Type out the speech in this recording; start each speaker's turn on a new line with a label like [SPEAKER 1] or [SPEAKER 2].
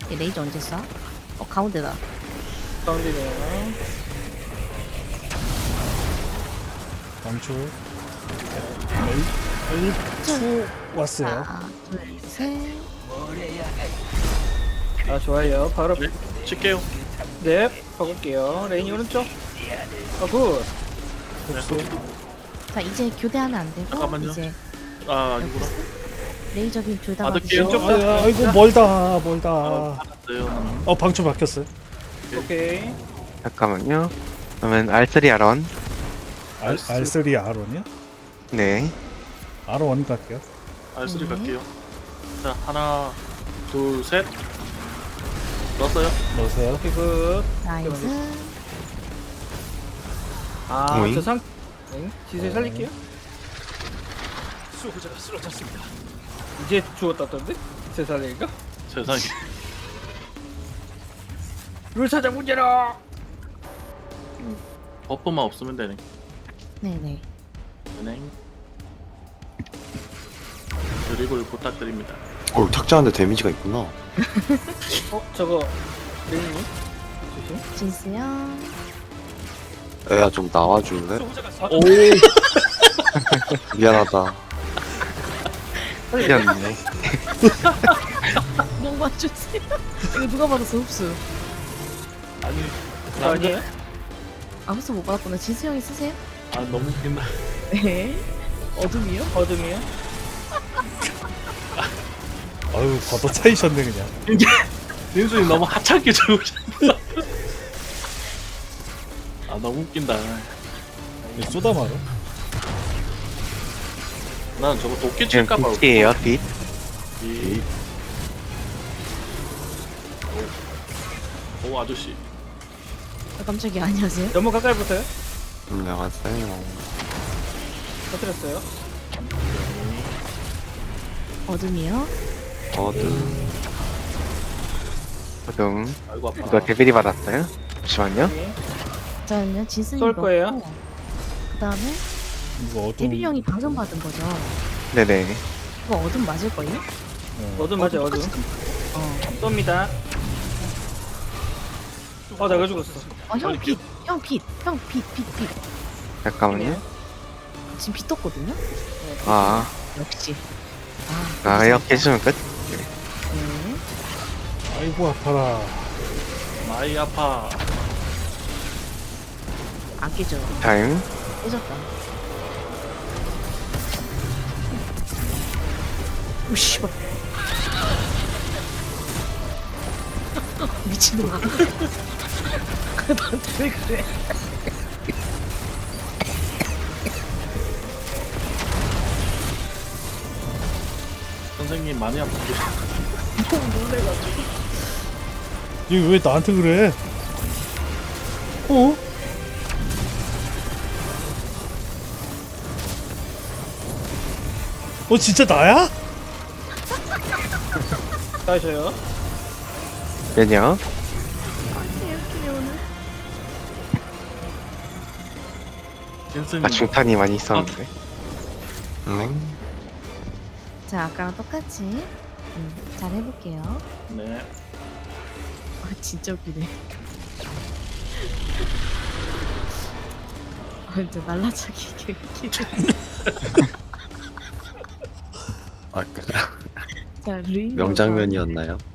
[SPEAKER 1] 얘 레이저 언제 쏴? 가운데다.
[SPEAKER 2] 가운데네요.
[SPEAKER 3] 방출. L2 왔어요.
[SPEAKER 1] 하나, 둘, 셋.
[SPEAKER 2] 아 좋아요. 바로
[SPEAKER 4] 네, 칠게요.
[SPEAKER 2] 네 바꿀게요. 레인이 오른쪽. 아 굿.
[SPEAKER 3] 복수.
[SPEAKER 1] 자, 이제 교대하면 안 되고.
[SPEAKER 4] 잠깐만요.
[SPEAKER 1] 이제
[SPEAKER 4] 아, 아니구나.
[SPEAKER 1] 레이저 빔 둘 다
[SPEAKER 4] 받을게요.
[SPEAKER 1] 받으시고.
[SPEAKER 3] 아이고 멀다 멀다.
[SPEAKER 4] 받았어요.
[SPEAKER 3] 방출 바뀌었어요.
[SPEAKER 2] 오케이.
[SPEAKER 5] 잠깐만요. 그러면 R3 R1.
[SPEAKER 3] R3 R1이요?
[SPEAKER 5] 네.
[SPEAKER 3] R1 갈게요.
[SPEAKER 4] R3 갈게요. 자, 하나, 둘, 셋. 넣었어요.
[SPEAKER 3] 넣으세요.
[SPEAKER 2] 오케이 굿.
[SPEAKER 1] 나이스.
[SPEAKER 5] 오잉?
[SPEAKER 2] 아저 상. 응? 지세 살릴게요.
[SPEAKER 4] 수호자가 쓰러졌습니다.
[SPEAKER 2] 이제 죽었다던데? 제 살릴까?
[SPEAKER 4] 세상에.
[SPEAKER 2] 룰 찾아 문제라.
[SPEAKER 4] 버퍼만 없으면 되네.
[SPEAKER 1] 네네.
[SPEAKER 4] 은행. 드리블 부탁드립니다.
[SPEAKER 6] 탁자한테 데미지가 있구나.
[SPEAKER 2] 저거 레인이 조심.
[SPEAKER 1] 진수요.
[SPEAKER 6] 애야 좀 나와줄래?
[SPEAKER 4] 오,
[SPEAKER 6] 미안하다.
[SPEAKER 5] 틀렸네.
[SPEAKER 1] 뭐 봐주세요. 이거 누가 받았어, 흡수.
[SPEAKER 4] 아니,
[SPEAKER 2] 저 아니에요?
[SPEAKER 1] 아, 흡수 못 받았구나. 진수 형이 쓰세요?
[SPEAKER 4] 아 너무 웃긴다.
[SPEAKER 1] 네. 어둠이요?
[SPEAKER 2] 어둠이요?
[SPEAKER 3] 아유 걷어 차이셨네 그냥.
[SPEAKER 4] 민수님 너무 하찮게 죽으셨어. 아 너무 웃긴다.
[SPEAKER 3] 이거 쏘다 말어.
[SPEAKER 4] 난 저거 도끼
[SPEAKER 5] 지금
[SPEAKER 4] 칠까봐.
[SPEAKER 5] 빛이에요, 빛.
[SPEAKER 4] 오 아저씨.
[SPEAKER 1] 아, 깜짝이야. 안녕하세요.
[SPEAKER 2] 너무 가까이 붙어요?
[SPEAKER 6] 안녕하세요.
[SPEAKER 2] 터뜨렸어요.
[SPEAKER 1] 어둠이요.
[SPEAKER 6] 어든.
[SPEAKER 5] 호동.
[SPEAKER 4] 아이고 아파.
[SPEAKER 5] 이거 데빌이 받았어요? 잠시만요.
[SPEAKER 2] 오케이.
[SPEAKER 1] 저는요, 진수님
[SPEAKER 2] 쏠 거예요?
[SPEAKER 1] 그 다음에
[SPEAKER 3] 이거 어둠.
[SPEAKER 1] 데빌 형이 방금 받은 거죠.
[SPEAKER 5] 네네.
[SPEAKER 1] 이거 어둠 맞을걸요?
[SPEAKER 2] 어둠 맞아 어둠. 쏩니다. 내가 죽었어.
[SPEAKER 1] 형 빛! 형 빛! 형 빛! 빛! 빛!
[SPEAKER 5] 잠깐만요.
[SPEAKER 1] 지금 빛 떴거든요?
[SPEAKER 5] 아,
[SPEAKER 1] 역시.
[SPEAKER 5] 이렇게 해주면 끝.
[SPEAKER 1] 네.
[SPEAKER 3] 아이고 아파라.
[SPEAKER 4] 많이 아파.
[SPEAKER 1] 안 깨져.
[SPEAKER 5] 타임.
[SPEAKER 1] 깨졌다. 오, 씨발. 미친놈아. 나한테 왜 그래?
[SPEAKER 4] 선생님 많이 아프게.
[SPEAKER 1] 너무 놀래가지고.
[SPEAKER 3] 이거 왜 나한테 그래? 어? 진짜 나야?
[SPEAKER 2] 다시요.
[SPEAKER 5] 면역.
[SPEAKER 1] 개웃기네, 오늘.
[SPEAKER 4] 선생님.
[SPEAKER 5] 아, 중탄이 많이 있었는데.
[SPEAKER 1] 자, 아까랑 똑같이. 잘 해볼게요.
[SPEAKER 4] 네.
[SPEAKER 1] 진짜 웃기네. 진짜 날라차기 개웃기네.
[SPEAKER 6] 아,
[SPEAKER 1] 자, 루인
[SPEAKER 6] 명장면이었나요?